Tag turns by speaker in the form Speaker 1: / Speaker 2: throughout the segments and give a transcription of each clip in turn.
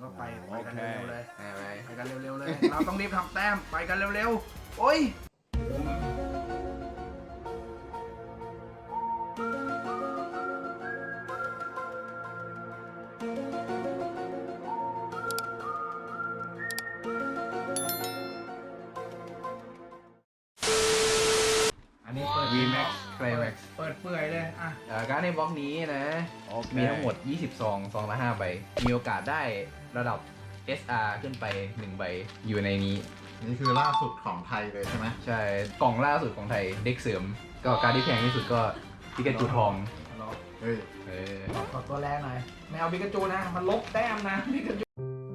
Speaker 1: ก็ไปกันเร็วๆเลย
Speaker 2: ไป
Speaker 1: ไปกันเร็วๆเลย เราต้องรีบทำแต้มไปกันเร็วๆโอ้ยอันนี้เปิด
Speaker 2: VMAX Climax
Speaker 1: เปิดเปื่อยเลยอ่ะ
Speaker 2: การ์ดในบล็อกนี้นะ มีทั้งหมด 20 ซองละ 5 ใบ มีโอกาสได้ระดับ SR ขึ้นไป 1 ใบ อยู่ในนี้
Speaker 3: นี่คือล่าสุดของไทยเลยใช่ไหม
Speaker 2: ใช่ กล่องล่าสุดของไทย เด็กเสริม ก็การ์ดที่แพงที่สุดก็ปิกาจูทอง
Speaker 3: เฮ้ย
Speaker 1: ขอตัวแรกหน่อยไม่เอาบิกาจูนะ มันลบแต้มนะบิกาจู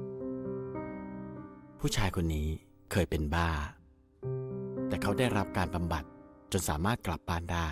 Speaker 4: ผู้ชายคนนี้เคยเป็นบ้า แต่เขาได้รับการบำบัดจนสามารถกลับบ้านได้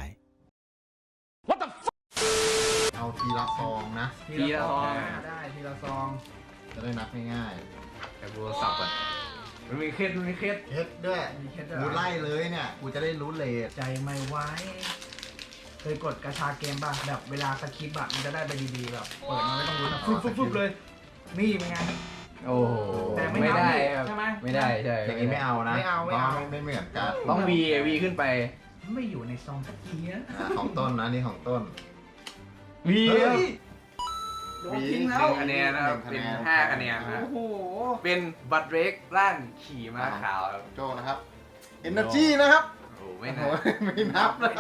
Speaker 3: เอาทีละซองนะ
Speaker 2: ทีละซอง
Speaker 1: ได้ทีละซอง
Speaker 3: จะได้นับง่าย
Speaker 2: แต่กูสับก่อนมันมีเคส
Speaker 3: ๆเฮ็ดด้วย
Speaker 1: มีเคสด้วย
Speaker 3: กูไล่เลยเนี่ย กูจะได้รู้เลท
Speaker 1: ใจไม่ไหวเคยกดกระชาเกมป่ะแบบเวลาสคริปต์อะมันจะได้ไปดีๆแบบเปิดมาไม่ต้องรู้นะฟึบๆเลย นี่เป็นไง
Speaker 2: โอ้โห
Speaker 1: แต่ไม่
Speaker 2: ไม่ได้
Speaker 1: นับ
Speaker 2: ครับ
Speaker 1: ใช่ไหม
Speaker 2: ไม่ได้ใช่
Speaker 3: อย่างนี้ไม่เอานะ
Speaker 1: ไม่เอา
Speaker 3: ไม่เหมือนกัน
Speaker 2: ต้อง V ขึ้นไป
Speaker 1: ไม่อยู่ในซองตะกี้นะ
Speaker 3: ของต้นนะนี่ของต้น
Speaker 2: V
Speaker 1: เฮ้ยโดนทิ้งแล้ว
Speaker 2: คะแนนนะครับ เป็น5 คะแนนนะ
Speaker 1: โอ้โห
Speaker 2: เป็นบัตรเรกร่างขี่ม้าขาวครับ
Speaker 3: โจนะครับ Energy นะครับ
Speaker 2: โอ้โหไม่นะ
Speaker 3: โอ้ยไม่นับนะครับ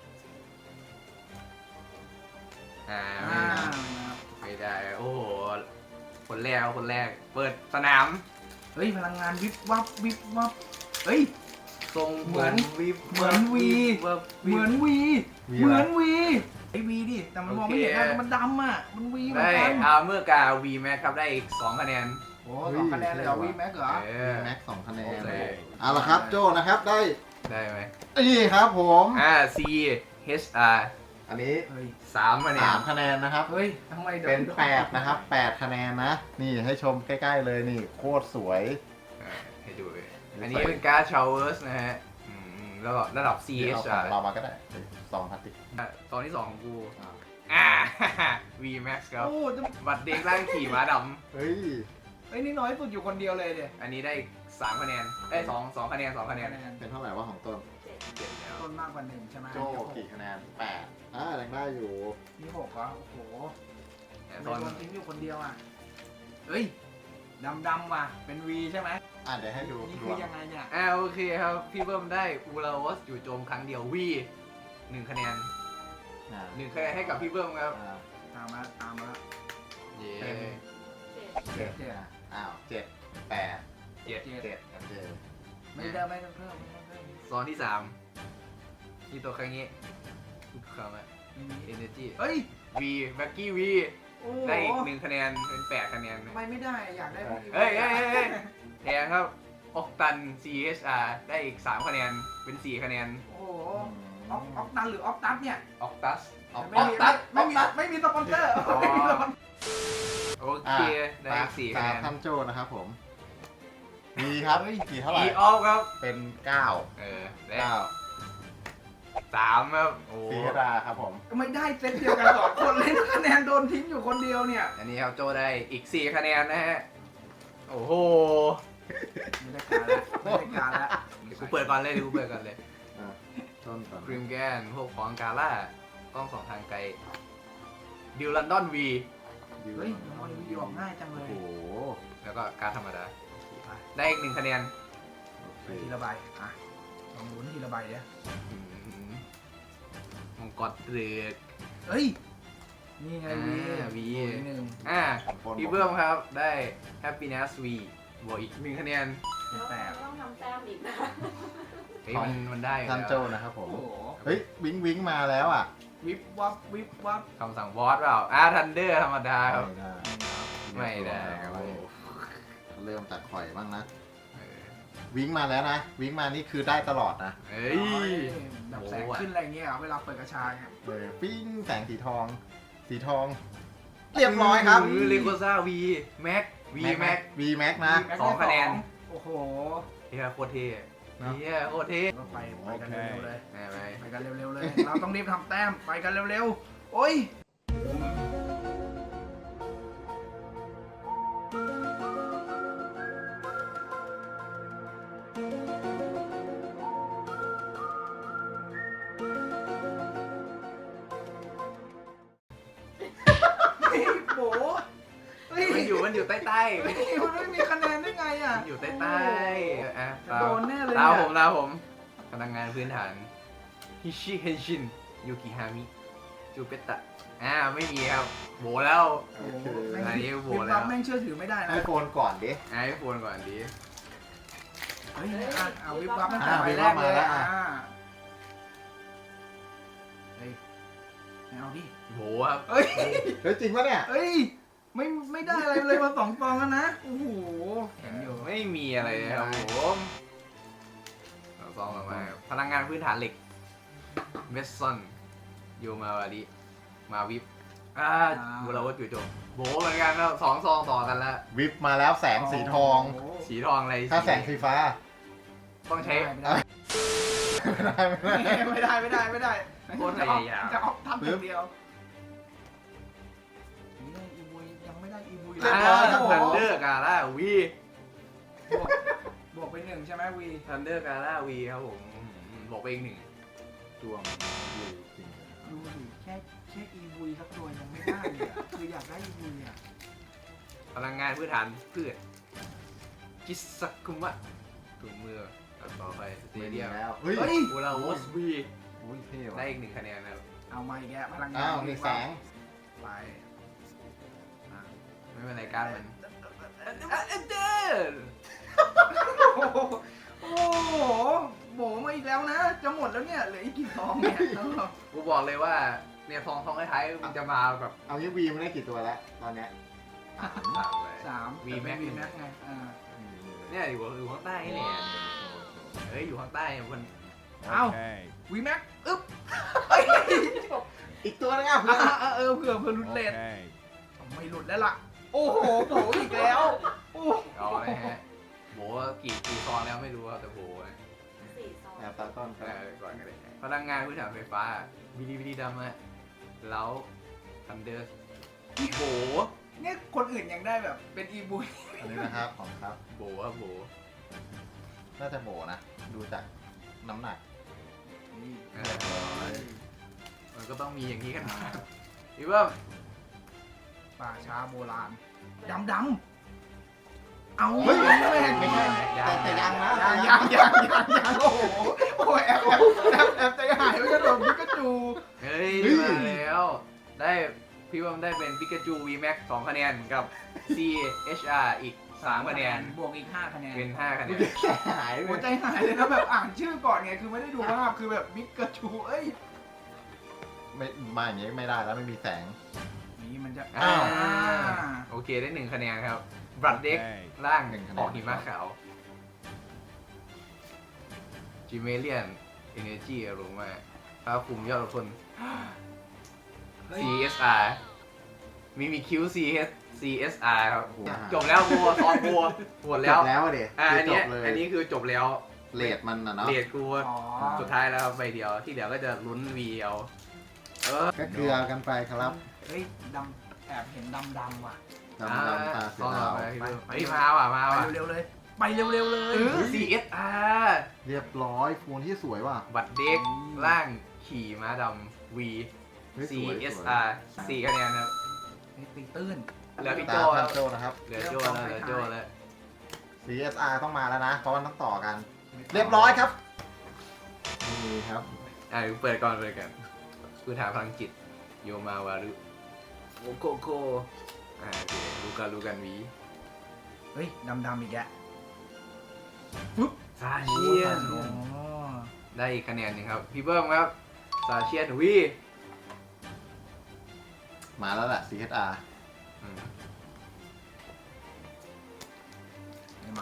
Speaker 2: อ่า
Speaker 1: อ่า
Speaker 2: ไม่ได้ โอ้โห คนแรก เปิดสนาม
Speaker 1: เฮ้ยพลังงานวิบวับวิบวับเฮ้ย
Speaker 2: ทรง
Speaker 1: เหมือน
Speaker 2: วิบ
Speaker 1: เหมือนวี
Speaker 2: วับ
Speaker 1: เหมือนวี
Speaker 3: วี
Speaker 1: เหมื
Speaker 3: อะไร
Speaker 1: อนวีไอวีดิแต่มันมองไม่เห็นนะ
Speaker 2: โอเค
Speaker 1: มันดำอ่ะมันวีเหมือ
Speaker 2: ได้
Speaker 1: นกัน
Speaker 2: เมื่อกา V Max ครับได้อีก 2 คะแนน
Speaker 1: โอ้สองคะแนนเลยเหรอวีแม็กเหรอ
Speaker 2: เอ
Speaker 3: วี
Speaker 2: อ
Speaker 3: แม็ก2 คะแนน
Speaker 2: โอเค
Speaker 3: เอาละครับโจนะครับได้
Speaker 2: ได้ไหม
Speaker 3: นี่ครับผม
Speaker 2: C H R
Speaker 3: อันนี้
Speaker 1: เฮ้ย
Speaker 2: 3 คะแนน
Speaker 3: 3 คะแนนนะครับ
Speaker 1: เฮ้ยทำไมดี๋ยว
Speaker 3: เป็น8นะครับ8 คะแนนนะ นี่ให้ชมใกล้ๆเลยนี่โคตรสวย
Speaker 2: ให้ดูเลยอันนี้เป็นการ์ดชาวเวอร์สนะฮะแล้วก็ระดับ C
Speaker 3: เอา
Speaker 2: H
Speaker 3: ของ
Speaker 2: R
Speaker 3: เรามาก็ได้ซองพลาสติก
Speaker 2: ตอนที่ 2 ของกู
Speaker 3: อ่า
Speaker 2: V Max ครับ
Speaker 1: โอ้จะ
Speaker 2: บัตรเด็กร่างขี่ม้าด
Speaker 3: เฮ้ย
Speaker 1: เฮ้ยนี่น้อยสุดอยู่คนเดียวเลยเดี๋ย
Speaker 2: ำอันนี้ได้อีก3 คะแนน2 คะแนน 2 คะแนน
Speaker 3: เป็นเท่าไหร่ว่าของต้น
Speaker 2: เจ็ดแล้ว
Speaker 1: ต้นมากกว่าหนึ่งใช่ไหม
Speaker 3: โจกี่คะแนน8ยังได้อยู่
Speaker 1: นี่หกเหรอโอ้โห
Speaker 2: แต่
Speaker 1: ทำ
Speaker 2: ต
Speaker 1: ไม
Speaker 2: อน
Speaker 1: โดนทิ้งอยู่คนเดียวอ่ะเฮ้ยดำว่ะเป็นวีใช่ไหม
Speaker 3: เดี๋ยวให้ดู
Speaker 1: นี่
Speaker 3: ร
Speaker 1: คื
Speaker 3: ว
Speaker 1: อ
Speaker 3: ม
Speaker 1: ยังไงเนี่ย
Speaker 2: โอเคครับ พี่เบิ้มได้อูลาวอสอยู่โจมครั้งเดียว V 1 คะแนน 1 คะแนนให้กับพี่เบิ้มครับ
Speaker 1: ตามมา
Speaker 2: เย้
Speaker 3: เจ็ดอ้าว7 8
Speaker 2: เจ็ด
Speaker 3: 7โอเค
Speaker 1: ไม่ได้ไม่ต้องเพิ่มไม่ต้องเพิ่ม
Speaker 2: ซอนที่3ที่ตัวครั้งนี้ทุกครั้งอะ Energy
Speaker 1: เฮ้ย
Speaker 2: V แบ็กกี้ V
Speaker 1: โอ้
Speaker 2: ได้อีก1 คะแนนเป็น8 คะแนน
Speaker 1: ทำไมไม่ได้อยากได้พวกนี้
Speaker 2: เฮ้ยแทงครับออกตัน CHR ได้อีก3 คะแนนเป็น4 คะแนน
Speaker 1: โอ้โหออกตันหรือออกตัสเนี่ย
Speaker 2: ออกตัส
Speaker 1: ไม่มีสปอนเซอร์ไม่มีสปอนเซอร์
Speaker 2: โอเคได้อีก4 คะแนน
Speaker 3: ท่านโจนะครับผม มีครับกี่เท่าไหร่
Speaker 2: E off ครับ
Speaker 3: เป็น 9
Speaker 2: ได้
Speaker 3: 9
Speaker 2: 3ครับโอ้
Speaker 3: สีกระดาครับผม
Speaker 1: ไม่ได้เซตเดียวกันสองคนเลยคะแนนโดนทิ้งอยู่คนเดียวเนี่ย
Speaker 2: อันนี้ครับโจได้อีก4 คะแนนนะฮะโอ้โห
Speaker 1: ไม่ได้การแล้วไม่ได้การแล้ว
Speaker 2: กูเปิดก่อนเลย
Speaker 3: ต้นก่อน
Speaker 2: ครีมแกนพวกของกาล่าต้องส่องทางไกลดิวลันดอน V
Speaker 1: เฮ้ยมันวิดีโอง่ายจังเล
Speaker 3: โอ้
Speaker 1: ย
Speaker 3: โห
Speaker 2: แล้วก็การดธรรมดาได้อีก1 คะแนน
Speaker 1: ทีละใบอ่ะลองลุ้นทีละใบเดี๋ยว
Speaker 2: มังกรเตือก
Speaker 1: เฮ้ยนี่ไงวี
Speaker 2: V
Speaker 1: หนึ่ง
Speaker 2: พี่เบิ้มครับได้ Happiness V บวกอีก1 คะแนน
Speaker 1: เป็นแปด
Speaker 5: ต้องทำแต้มอีกนะ
Speaker 2: เฮ้ยมันได้อยู่
Speaker 3: ท่าน
Speaker 2: แล้ว
Speaker 3: โจนะครับผม
Speaker 1: โอ้โห
Speaker 3: เฮ้ย วิงมาแล้วอ่ะ
Speaker 1: วิบวับวิบวับ
Speaker 2: คำสั่งบอสเปล่าทันเดอร์ธรรมดาครับ ไม่ได้ครับ
Speaker 3: โอ้เริ่มตัดข่อยบ้างนะ
Speaker 2: เออ
Speaker 3: วิงมาแล้วนะ วิงมานี่คือได้ตลอดนะ
Speaker 2: เฮ้ย
Speaker 1: แบบแสงขึ้นอะไรเงี้ยเวลาเปิดกระชายเนี่ย
Speaker 3: ปิ้งแสงสีทอง สีทอง เรียบร้อยครับ
Speaker 2: เลโกซ่า V Max V Max
Speaker 3: V Max นะ
Speaker 2: 2 คะแนน
Speaker 1: โอ้โห
Speaker 2: เฮียโคตรเท่
Speaker 3: เนอะ
Speaker 2: เฮียโคตรเท่
Speaker 1: ก็ไปกันเร็วๆเลย
Speaker 2: แน่ไหม
Speaker 1: ไปกันเร็วๆเลย เราต้องรีบทำแต้มไปกันเร็วๆโอ้ย
Speaker 2: มันอยู่ใต้
Speaker 1: มันไม่มีคะแนนได้ไงอ่ะ
Speaker 2: มันอยู่ใต้อ่ะ
Speaker 1: โดนแน่เลย
Speaker 2: ตา
Speaker 1: เนี่ย
Speaker 2: ผมพลังงานพื้นฐานฮิชิเฮชินยูกิฮามิจูเปตะไม่มีครับโบแล้ว
Speaker 1: โอ้โห
Speaker 2: อันนี้โหว
Speaker 1: วิ
Speaker 2: ต
Speaker 1: บ
Speaker 2: แล้
Speaker 1: วั
Speaker 2: ว
Speaker 1: บแม่งเชื่อถือไม่ได้นะ
Speaker 3: ไอโฟนก่อนดิ
Speaker 2: ไอโฟนก่อนดี
Speaker 1: เฮ้ยเอาวิบวับตั้งแต่
Speaker 3: อ่ะ
Speaker 1: ใบแรกเลย
Speaker 3: วิบวับมาแล้ว
Speaker 1: อ่ะ
Speaker 3: อ่ะ
Speaker 1: เฮ้ยไม่เอาดิ
Speaker 2: โบครับ
Speaker 1: เฮ้ย
Speaker 3: เฮ้ยจริงปะเนี่ย
Speaker 1: เฮ้ยไม่ได้อะไรเลยมา2 ฟองแล้วนะโอ้โหแข็งอยู่
Speaker 2: ไม่มีอะไรเลยครับผมซองออกมาพลังงานพื้นฐานเหล็กเมสซอนโยมาวาริมาวิบบูราวัตจุโจโบเหมือนกันแล้ว2 ซองต่อกันแล้ว
Speaker 3: วิบมาแล้วแสงสีทอง
Speaker 1: โโห
Speaker 2: สีทองอะไร
Speaker 3: ถ้าแสงสีฟ้า
Speaker 2: ต้องใช้
Speaker 1: ไม่ได้ไม่ได้
Speaker 2: โคตรพยายาม
Speaker 1: จะออกทำอย่างเดียวอีบุยยังไม่ได้อีบุย
Speaker 3: เรียบร้อยครับผม
Speaker 2: ทันเดอร์กาล่าวี
Speaker 1: บวกไป1ใช่ไหมวี
Speaker 2: ทันเดอร์กาล่าวีครับผมบอกไปอีก1
Speaker 3: ดวงดีจริง
Speaker 1: ดูดิแค่อีบุยสักตัวยังไม่ได้เลยอะคืออยากได้อีบุยอ่ะ
Speaker 2: พลังงานพื้นฐานพืชกิสักุมะถุงมือต่อไปสเต
Speaker 3: ไม่
Speaker 2: เดี
Speaker 3: ดี
Speaker 2: ยม
Speaker 3: แล้วเฮ้ย
Speaker 1: เฮ้ย
Speaker 2: บูราวอสวี
Speaker 3: อุ้ยเท่
Speaker 2: ได้
Speaker 3: ว่ะ
Speaker 2: อีก1 คะแนนนะครับ
Speaker 1: เอามาอีกแล้วพลังงาน
Speaker 3: อ้าวมีแสง
Speaker 1: ไป
Speaker 2: ไม่เป็นไรการดมัน
Speaker 1: โอ้โหโบมาอีกแล้วนะ จะหมดแล้วเนี่ยเหลืออีกกี่ซองเนี่ย
Speaker 2: กูบอกเลยว่าเนี่ยทองท้ายๆมันจะมาแบบ
Speaker 3: เอางี้วีมันได้กี่ตัวแล้วตอนเนี้ย
Speaker 2: 3เลย
Speaker 1: 3
Speaker 2: วีแม็ก
Speaker 1: วีแม็กไง
Speaker 2: เนี่ยอยู่ข้างใต้นี่เนี่ยเฮ้ยอยู่ข้างใต้มัน
Speaker 1: เอ้าวีแม็กอึ๊บ
Speaker 3: อีกตัวนึงอ่ะเพื่อน
Speaker 1: เผื่อหลุดเลทไม่หลุดแล้วล่ะ โอ้โหโบอีกแล้วโอ้
Speaker 2: เอาเลยฮะโบกี่ซองแล้วไม่รู้ครับแต่โบนะ
Speaker 3: แอบตาต้น
Speaker 2: ก่อนกันเลยพลังงานพื้นฐานไฟฟ้าวิธีดำอะแล้วทันเดอร์โบ
Speaker 1: เนี่ยคนอื่นยังได้แบบเป็นอีบุย
Speaker 3: อันนี้นะครับของครับ
Speaker 2: โบครับโบ
Speaker 3: น่าจะโบนะ ดูจากน้ำหนัก
Speaker 2: มันก็ต้องมีอย่างนี้กันมาพี่เบิ้ม
Speaker 1: ป่าช้าโบราณดำเอา
Speaker 3: เฮ้ย
Speaker 1: ไม่
Speaker 3: ไม่
Speaker 1: เห็น
Speaker 3: ใช่แต่ยังนะ
Speaker 1: ยังโอ้โหโอ้แอบใจหายไม่กระโดดพิกาจู
Speaker 2: เฮ้ยมาแล้วได้พี่เบิ้มได้เป็นปิกาจู VMAX 2 คะแนนกับ CHR อีก 3 คะแนน
Speaker 1: บวกอีก5 คะแนน
Speaker 2: เป็น 5 คะแนน
Speaker 3: หายเล
Speaker 1: หัวย ใจหายเลยนะแบบอ่านชื่อก่อนไงคือไม่ได้ดูภาพคือแบบพิกาจูเอ้ย
Speaker 3: ไม่มาอย่างงี้ไม่ได้แล้วไม่มีแสง
Speaker 1: นี่มันจะ
Speaker 2: อ้าว โอเคได้ 1 คะแนนครับบรัดเด็กร่าง
Speaker 3: 1 คะแนน
Speaker 2: ออกหิมะขาวจิเมเลียนเอเนจีอารมาภาพคุมยอดทน CSR มีคิว CSR ครับ
Speaker 3: โอ้โห
Speaker 2: จบแล้วบัวซองบัวหมด
Speaker 3: จ
Speaker 2: แล้ว
Speaker 3: บแล้วอะเด็
Speaker 2: อัน
Speaker 3: จ
Speaker 2: นี้
Speaker 3: บเลย
Speaker 2: อันนี้คือจบแล้ว
Speaker 3: เลดมันนะเนาะ
Speaker 2: เรียดกู
Speaker 1: อ๋อ
Speaker 2: สุดท้ายแล้วใบเดียวที่เหลือก็จะลุ้นวีเอา
Speaker 3: ก็เกลือกันไปครับ
Speaker 1: เฮ้ยดำแอบเห็นดำว่ะ
Speaker 3: ดำตาเสื
Speaker 2: ซอ
Speaker 3: อง ดาว
Speaker 2: ไปเฮ้ยมาว่ะมา
Speaker 1: ไป
Speaker 2: ว่ะ
Speaker 1: เร็วๆเลยไปเร็วๆเลย
Speaker 2: CSR
Speaker 3: เรียบร้อยโฟนที่สวยว่ะ
Speaker 2: บัตรเด็กร่างขี่ม้าดำ V
Speaker 3: เฮ้ยสวย
Speaker 2: CSR 4 คะแนนครับ
Speaker 1: ตีตื้น
Speaker 2: เหลือพี่
Speaker 3: ตา
Speaker 2: โจ
Speaker 3: พั
Speaker 2: แล้
Speaker 3: น
Speaker 2: ว
Speaker 3: โจนะครับ
Speaker 2: เหลือโจแล้วเหลือโจแล้ว
Speaker 3: CSR ต้องมาแล้วนะ เพราะมันต้องต่อกัน เรียบร้อยครับ นี่ครับ
Speaker 2: เปิดก่อนพื้นฐานพลังจิตโยมาวารุโอโกโกโอเครู้กันวี
Speaker 1: เฮ้ยดำอีกแก
Speaker 2: ซาเชียน
Speaker 1: อ๋อ
Speaker 2: ได้อีกคะแนนหนึ่งครับ พี่เบิ้มครับซาเชียนวี
Speaker 3: มาแล้วแหละ CSR
Speaker 1: มา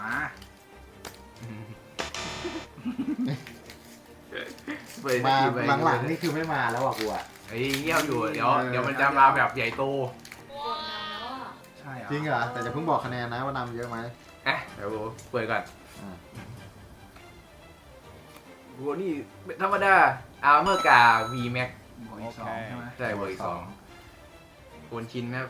Speaker 3: มาหลังๆนี่คือไม่มาแล้วอ่ะกูอ่ะ
Speaker 2: เฮ้ยเงียบอยู่เดี๋ยวมันจะมาแบบใหญ่โต
Speaker 1: ใช่เหรอ
Speaker 3: จริงเหรอ แต่จะเพิ่งบอกคะแนนนะว่านำเยอะไหม
Speaker 2: เดี๋ยวเปิดก่อน
Speaker 3: อ่า
Speaker 2: กูนี่ธรรมดาอาร์เมอร์กา V Max
Speaker 1: บวกอีก2ใช่ไหม
Speaker 2: ใช่เบอร์อีก2โคนชินครับ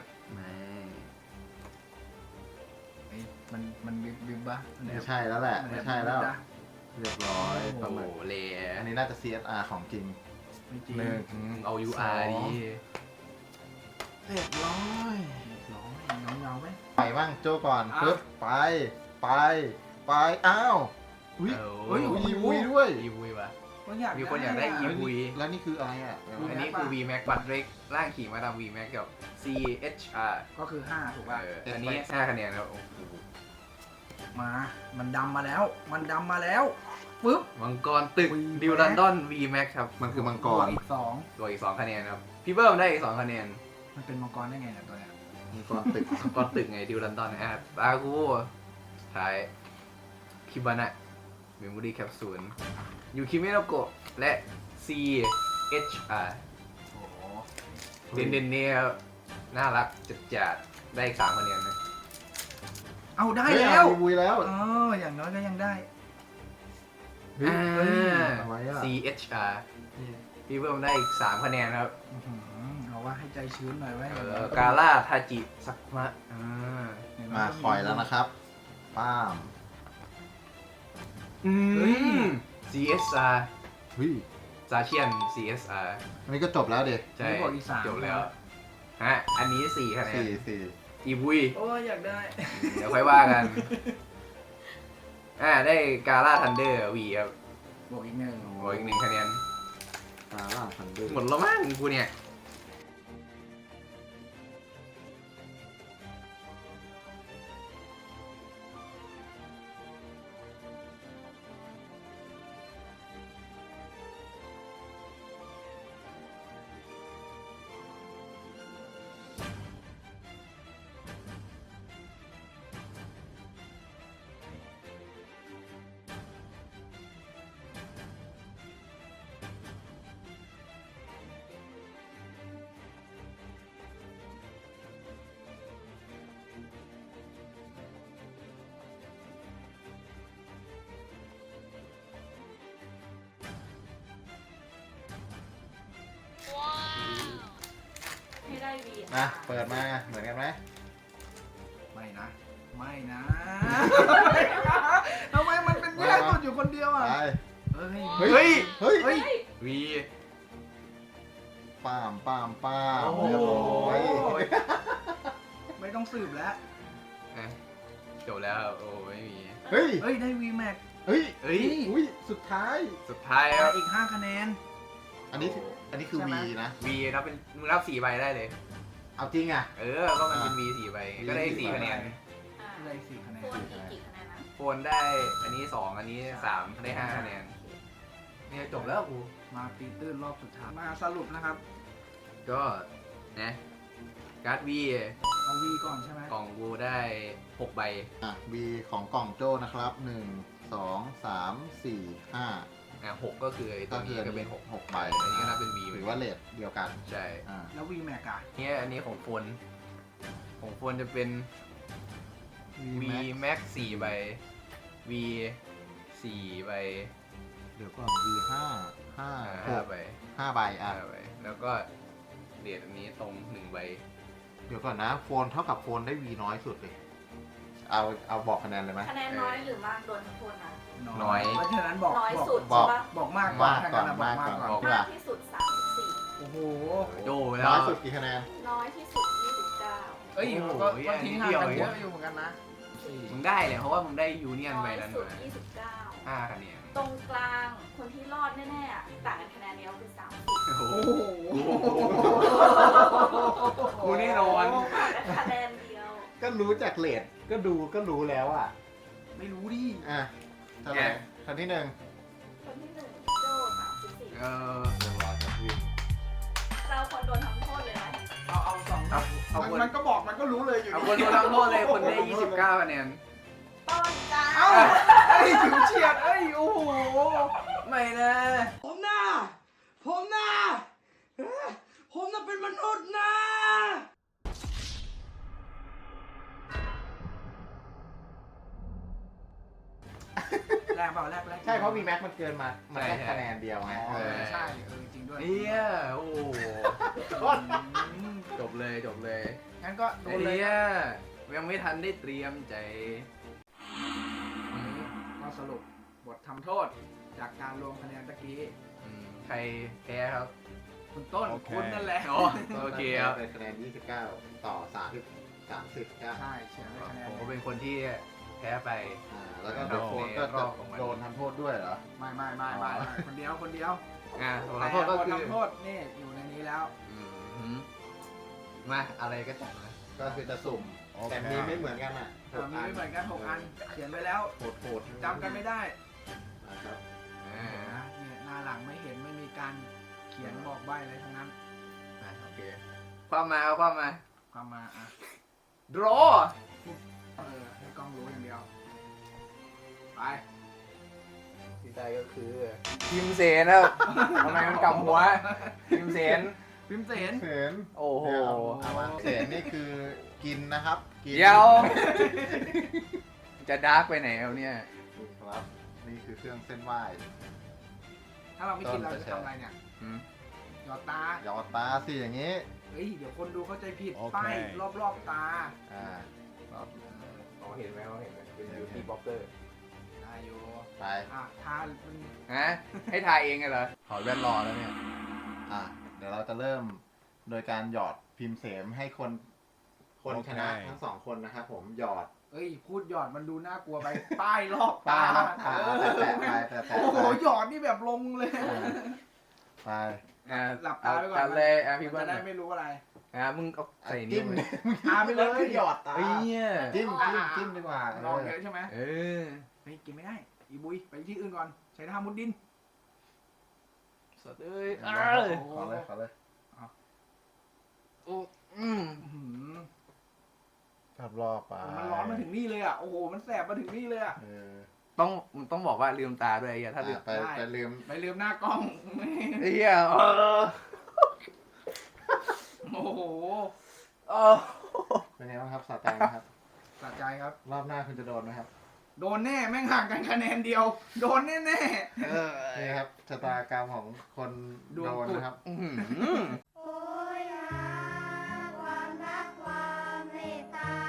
Speaker 1: เฮ้ยมันบิบปะ
Speaker 3: ไม่ใช่แล้วแหละ ไม่ใช่แล้ว เรียบร้อย
Speaker 2: โอ้
Speaker 3: ประ
Speaker 2: โห
Speaker 3: มาณ
Speaker 2: เละ
Speaker 3: อันนี้น่าจะ CSR ของจริง
Speaker 1: ไม่จริง
Speaker 3: หนึ่ง
Speaker 2: เอา UR ดี
Speaker 3: เรียบร้อย
Speaker 1: เรียบร้อยเงาไหม
Speaker 3: ไปบ้างโจก่อนปึ๊บไปอ้าวอุ้ย
Speaker 2: เฮ้ย
Speaker 3: อีวุยด้วย
Speaker 2: อีวุยวะ
Speaker 1: ก็อยาก
Speaker 2: มีคนอยากได้อีวุย
Speaker 3: แล้วนี่คืออะไรอ่ะ
Speaker 2: อันนี้คือ V Max บัตรเล็กร่างขี่มาตาม V Max กับ CHR
Speaker 1: ก็คือ5ถูกป่ะ
Speaker 2: อันนี้5คะแนนครับโอ้โห
Speaker 1: มามันดำมาแล้วปึ๊บ
Speaker 2: มังกรตึกดิวลันดอน V Max ครับ
Speaker 3: มันคือมังก
Speaker 1: บว
Speaker 3: ร
Speaker 1: กอีก2
Speaker 2: ตัวอีก2คะแนนครับพี่เบิ้มได้อีก2คะแนน
Speaker 1: มันเป็นมังกรได้ไงเนี่ยตัวเนี้ย
Speaker 3: มังกรตึก
Speaker 2: มังกรตึกไงดิวลันดอนตากูท้ายคิบานะเมมโมรี่แคปซูลยูคิเมโนโกะและ CHR
Speaker 1: โอ้โห
Speaker 2: เด่นๆเนี่ยน่ารักจัดๆได้อีก3คะแนนนะ
Speaker 1: เอาได้
Speaker 3: เฮ้ย
Speaker 1: แล้ว
Speaker 3: อีวุยแล้ว
Speaker 1: อ๋ออย่างน้อยก็ยังได้
Speaker 3: เฮ้ยเอาไว้อะ
Speaker 2: CHR พี่เบิ้มได้อีก3คะแนนครับ
Speaker 1: อื้อหือเอาว่าให้ใจชื้นหน่อยไว้
Speaker 2: กาล่าทาจิสักมะ
Speaker 3: มาคอยแล้วนะครับป้าม
Speaker 1: เฮ้ย
Speaker 2: CSR
Speaker 3: เฮ้ย
Speaker 2: ซาเชียน CSR
Speaker 3: อันนี้ก็จบแล้วเด็ก
Speaker 2: ใช่
Speaker 1: นี่บอกอีก3
Speaker 2: จบแล้วฮะอันนี้4คะแนน
Speaker 3: สี่
Speaker 2: อีบุย
Speaker 1: โอ้ยอยากได้
Speaker 2: เดี๋ยวค่อยว่ากันได้กาล่าทันเดอร์วีครับ
Speaker 1: บวกอีก1
Speaker 2: บวกอีก1คะแนน
Speaker 3: ตาล่าพันด้วย
Speaker 2: หมดแล้วมั้งกูเนี่ย
Speaker 5: ให้ได้วี
Speaker 3: นะเปิดมาเหมือนกันไหม
Speaker 1: ไม่นะทำไมมันเป็นแย่สุดอยู่คนเดียวอ่ะ
Speaker 3: ไป
Speaker 1: เฮ้ย
Speaker 3: เฮ้ย
Speaker 2: เฮ้ย
Speaker 3: เฮ้ย
Speaker 2: วี
Speaker 3: ป้าม
Speaker 2: โอ้โห
Speaker 3: เรียบร้อย
Speaker 1: ไม่ต้องสืบแล้ว
Speaker 2: จบแล้วโอ้ไม่มี
Speaker 3: เฮ้ย
Speaker 1: เฮ้ยได้ V Max
Speaker 3: เฮ้ย
Speaker 2: เฮ้ย
Speaker 3: อุ้ยสุดท้าย
Speaker 2: สุดท้ายครับ
Speaker 1: อีก5คะแนน
Speaker 3: อันนี้คือ
Speaker 1: ใช่ไหม
Speaker 3: V นะ
Speaker 2: วีนับเป็นมึงนับ4ใบได้เลย
Speaker 3: เอาจริงอ่ะ
Speaker 2: ก็มันเป็น V 4ใบก็ได้4คะแนน
Speaker 1: ได้4คะแนน
Speaker 5: โฟนกี่คะแนนนะ
Speaker 2: โฟนได้อันนี้2อันนี้3ได้5คะแนนเนี่ยจบแล้วกู
Speaker 1: มาตีตื้นรอบสุดท้ายมาสรุปนะครับ
Speaker 2: ก็นะการ์ดวี
Speaker 1: เอา V ก่อนใช่ไหม
Speaker 2: กล่องกูได้6ใบ
Speaker 3: อ่ะ V ของกล่องโจ้นะครับ 1 2 3 4 5
Speaker 2: 6ก็คือไอ้ตัวนี้ก็เป็น6
Speaker 3: 6ใบ
Speaker 2: อันนี้ก็นับเป็น V
Speaker 3: หรือว่าเลทเดียวกัน
Speaker 2: ใช่
Speaker 3: อ่า
Speaker 1: แล้ว V Max อ่ะ
Speaker 2: เนี่ยอันนี้ของโฟนจะเป็น V Max 4ใบ V 4ใบ
Speaker 3: เดี๋ยวก่อน V
Speaker 2: 5ใบ
Speaker 3: 5ใบอ่ะ
Speaker 2: 5ใบแล้วก็เดทอันนี้ตรง1ใบ
Speaker 3: เดี๋ยวก่อนนะโฟนเท่ากับโฟนได้ V น้อยสุดเลย เอาบอกคะแนนเลยไหม
Speaker 5: คะแนนน้อยหรือมากโดนทั้งคนนะ
Speaker 2: น้อย
Speaker 1: เพราะฉะนั้นบอก
Speaker 5: น้อย
Speaker 1: บอก
Speaker 5: สุด
Speaker 3: บอ
Speaker 5: ใช่
Speaker 3: ก
Speaker 5: ปะ
Speaker 1: บอกมากก่อน
Speaker 3: มากก่อน
Speaker 1: ถ้างั้นบอกมากก่อน
Speaker 3: มากก่อน
Speaker 5: มากที่สุด 34
Speaker 1: โอ้โห
Speaker 2: โดแล้
Speaker 3: น้
Speaker 2: ว
Speaker 3: อยสุดกี่คะแนน
Speaker 5: น้อยที่สุด 29
Speaker 1: เอ้ย
Speaker 2: โอ้โห
Speaker 1: ก็ทิ้งห่างกัน
Speaker 2: นิดเดี
Speaker 1: เย
Speaker 2: ยว
Speaker 1: อะอยู่เหมือนกันนะ
Speaker 2: มึงได้เลยเพราะว่ามึงได้ยูเนียน
Speaker 5: น้
Speaker 2: ใบ
Speaker 5: อย
Speaker 2: นั้น
Speaker 5: สุด
Speaker 2: มา
Speaker 5: 29
Speaker 2: 5คะแนน
Speaker 5: ตรงกลางคนที่รอดแน่ๆอะต่างกันคะแนนเดียวคือ 30
Speaker 2: โอ้โห
Speaker 1: โอ้โห
Speaker 2: กูแน่นอน
Speaker 5: ต่างกันคะแนนเดียว
Speaker 3: ก็รู้จากเลทก็รู้แล้วอ่ะ
Speaker 1: ไม่รู้ดิ
Speaker 3: อ่ะเท่าไหร่คนที่หนึ่ง
Speaker 5: คนที่ 1 โจ้ 34
Speaker 2: เออ
Speaker 3: เรียบร้อยครับวิน
Speaker 5: เราคนโดนทำโทษเลยไหม
Speaker 1: เอาสอง
Speaker 2: เอาคน
Speaker 1: มันก็บอกมันก็รู้เลยอยู่
Speaker 2: เอาคนโดนทำโทษเลยคนได้29คะแนน
Speaker 5: ต้นกลาง
Speaker 1: เอ้าไอ้ยฉิวเฉียดเอ้ยโอ้โห
Speaker 2: ไม่นะ
Speaker 6: ผมน่ะเป็นมนุษย์นะ
Speaker 1: แรกเปล่าแรก
Speaker 3: ใช่เพราะ V Max มันเกินมา มันแค่คะแนนเดียวไง
Speaker 1: อ๋อใช่จริงด้วย
Speaker 2: เฮียโอ้โหจบเลย
Speaker 1: งั้นก็โดนเลย
Speaker 2: เฮียยังไม่ทันได้เตรียมใจ
Speaker 1: ก็สรุปบททำโทษจากการรวมคะแนนตะกี้
Speaker 2: ใครแพ้ครับ
Speaker 1: คุณต้น
Speaker 3: โอเค
Speaker 1: คุณนั่นแหละ
Speaker 2: โอเคครับ
Speaker 3: เป็นคะแนน 29 ต่อ 3 30ครับ
Speaker 1: ใช่เฉียงได้คะแนน
Speaker 2: ผมก็เป็นคนที่แพ้ไป
Speaker 3: แล้วก็เดอะโฟนก็จะโดนทำโทษด้วยเหรอ
Speaker 1: ไม่คนเดียวคนเดียว
Speaker 2: ผมขอโทษก็คือ
Speaker 1: ทำโทษนี่อยู่ในนี้แล้ว
Speaker 2: มาอะไรก็จัดนะ
Speaker 3: ก็คือจะสุ่ม แต่มีไม่เหมือนกันอ่ะ
Speaker 1: มีไม่เหมือนกัน6 อันเขียนไว้แล้ว
Speaker 3: โหดๆ
Speaker 1: จำกันไม่ได้
Speaker 3: นะครับ
Speaker 1: นะเนี่ยหน้าหลังไม่เห็นไม่มีการเขียนบอกใบ้อะไรทั้งนั้น
Speaker 2: โอเคความมาเอาความมา
Speaker 1: ความมาอ่ะ
Speaker 2: draw
Speaker 1: ให้กล้องรู้อย่างเดียวไป
Speaker 2: ที่ได้ก็คือพิมเสนครับทำไมมันกลับหัวพิมเสน
Speaker 1: พิมพ์เสน
Speaker 3: เสน
Speaker 2: โอ้โห
Speaker 3: เอามาเสนนี่คือกินนะครับกิน
Speaker 2: เดี๋ยว จะดาร์กไปไหนเอาเนี่ย
Speaker 3: นี่ครับ นี่คือเครื่องเส้นไหว้
Speaker 1: ถ้าเราไม่กินเราจะทำอะไรเนี่ยหยอดตา
Speaker 3: หยอดตาสิอย่างนี้
Speaker 1: เฮ้ยเดี๋ยวคนดูเข้าใจผิดป้ายรอบๆตา
Speaker 3: อ่า
Speaker 2: อ๋อเห็นไหมเขาเห็นไหมเป็นบิวตี้บล็อกเกอร์
Speaker 1: ได้อยู่
Speaker 3: ไป
Speaker 1: ทามัน
Speaker 2: ฮะให้ทายเองเหรอ
Speaker 3: ถอยแว่นรอแล้วเนี่ย เดี๋ยวเราจะเริ่มโดยการหยอดพิมพ์เสมให้คนชนะทั้งสองคนนะครับผมหยอด
Speaker 1: เอ้ยพูดหยอดมันดูน่ากลัวไป ป้ายรอบ
Speaker 3: ตา
Speaker 1: ตา
Speaker 3: แตะไปแตะ
Speaker 1: โอ้โหหยอดนี่แบบลงเลย
Speaker 3: ไป
Speaker 1: หลับตาไปก่อน
Speaker 2: จัดเลยพี่
Speaker 1: มั
Speaker 2: เบิ้
Speaker 1: น
Speaker 2: ล
Speaker 1: จะได้ไม่รู้อะไร
Speaker 2: มึงเอาใส่นิ้
Speaker 3: จิ้
Speaker 2: ว
Speaker 3: ม
Speaker 2: เลย
Speaker 1: ไปเลย
Speaker 3: หยอดตา
Speaker 2: เฮ้ยเนี่ย
Speaker 3: จิ้มดีกว่า
Speaker 1: ลองเยอะใช่ไหม
Speaker 2: เออ
Speaker 1: เฮ้ยกินไม่ได้อีบุยไปที่อื่นก่อนใช้ท่ามุดดิน
Speaker 2: สดเลย
Speaker 3: ขอเลย
Speaker 2: โอ้
Speaker 3: ขับรอบไป
Speaker 1: มันร้อนมาถึงนี่เลยอ่ะโอ้โหมันแสบมาถึงนี่เลยอ่ะ
Speaker 2: ต้องบอกว่าลืมตาด้วยไอ้เหี้ยถ้าลืม
Speaker 3: ไปลืม
Speaker 1: ไปลืมหน้ากล้อง
Speaker 2: ไอ้เหี้ย
Speaker 1: โอ้โห
Speaker 3: เป็นไงบ้างครับสาแตงครับ
Speaker 1: สะใจครับ
Speaker 3: รอบหน้าคุณจะโดนไหมครับ
Speaker 1: โดนแน่แม่งห่างกันคะแนนเดียว โดนแน่
Speaker 3: นี่ครับชะตากรรมของคนโดนนะครับ
Speaker 7: โอ้ยหาความรักความเมตตา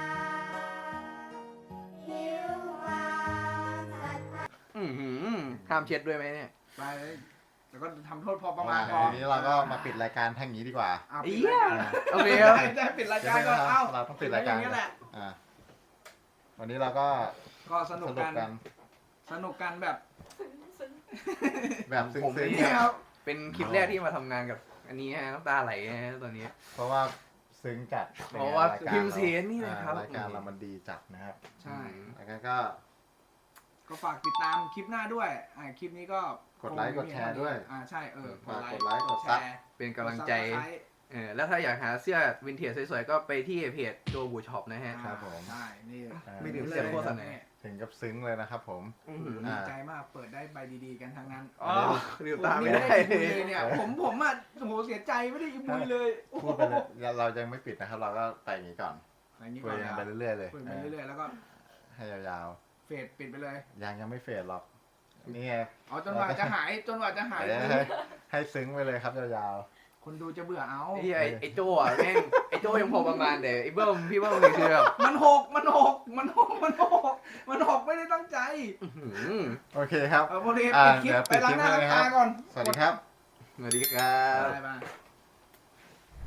Speaker 7: หิวความศรัทธา
Speaker 2: ห้ามเช็ดด้วยไหมเนี่ย
Speaker 1: ๆไปเลยแล้วก็ทำโทษพอประมาณพอ
Speaker 3: ทีนี้เราก็มาปิดรายการทางนี้ดีกว่า
Speaker 1: ปิดรายการ
Speaker 2: โอเคครับ
Speaker 1: ได้ปิดรายการก็เอ้า
Speaker 3: เราต้องปิดรายการ
Speaker 1: อย่างนี้แหละ
Speaker 3: วันนี้เราก็
Speaker 1: ก็สนุกกันแบบ
Speaker 3: แบบซึ้
Speaker 2: ผม
Speaker 3: ง
Speaker 2: เนี่
Speaker 1: นี้ครับ
Speaker 2: เป็นคลิปแรกที่มาทำงานกับอันนี้ฮะน้ำตาไหลฮะตอนนี้
Speaker 3: ๆเพราะว่าซึ้งจัด
Speaker 2: เพราะว่า
Speaker 3: ในยก
Speaker 2: พิมพ์เสียงนี่นะครับ
Speaker 3: รายการเรามันดีจัดนะครับ
Speaker 1: ใช่
Speaker 3: แล้วก็
Speaker 1: ก็ฝากติดตามคลิปหน้าด้วยคลิปนี้ก็
Speaker 3: กดไลค์กดแชร์ด้วย
Speaker 1: ใช่
Speaker 3: ฝากกดไลค์กด
Speaker 1: แช
Speaker 3: ซับ
Speaker 1: ร์
Speaker 2: เป็นกำลังใจ แล้วถ้าอยากหาเสื้อวินเทจสวยๆ ก็ไปที่เพจโจบูช็อปนะฮะ
Speaker 3: ครับผม
Speaker 1: ใช่นี่
Speaker 2: ไม่ถึงเสียโฆษณา
Speaker 3: ถึงกับซึ้งเลยนะครับผม
Speaker 1: ดีใจมากเปิดได้ใบดีๆกันทั้งนั้น
Speaker 2: อ๋อลืมตาไม่ได้
Speaker 1: ผมนี่ไม่ได้อีบุยเลยเนี่ยผมอ่ะโอ้โหเสียใจไม่ได้อีบุยเลยโอ้โห
Speaker 3: พูดไปเลยเรายังไม่ปิดนะครับ เราก็ไปอย่างนี้ก่อน
Speaker 1: อย่างนี้
Speaker 3: คุ
Speaker 1: ก่
Speaker 3: ย
Speaker 1: อน
Speaker 3: กัน
Speaker 1: นะ
Speaker 3: ไปเรื่อยๆเลย
Speaker 1: คุยไปเรื่อยๆแล้วก็
Speaker 3: ให้ยาว
Speaker 1: เฟดปิดไปเลย
Speaker 3: ๆยังไม่เฟดหรอกนี่ไง
Speaker 1: อ๋อจนกว่าจะหาย
Speaker 3: ให้ซึ้งไปเลยครับยาว
Speaker 1: คนดูจะเบื่อเอา
Speaker 2: ไอ้โจอ่ะแม่งไอ้โจยังพอประมาณแต่ไอ้เบิ้มพี่เบิ้มนี่คือแบบ
Speaker 1: มันหกไม่ได้ตั้งใจ
Speaker 3: ๆโอเคครับ
Speaker 1: พอดี
Speaker 3: อ่า
Speaker 1: ปิดคลิป
Speaker 3: เดี๋ยว
Speaker 1: ไปล้างหน้าล้างตาก่อน
Speaker 3: สวัสดีครับ
Speaker 2: สวัสดีครับ
Speaker 1: บ๊ายบาย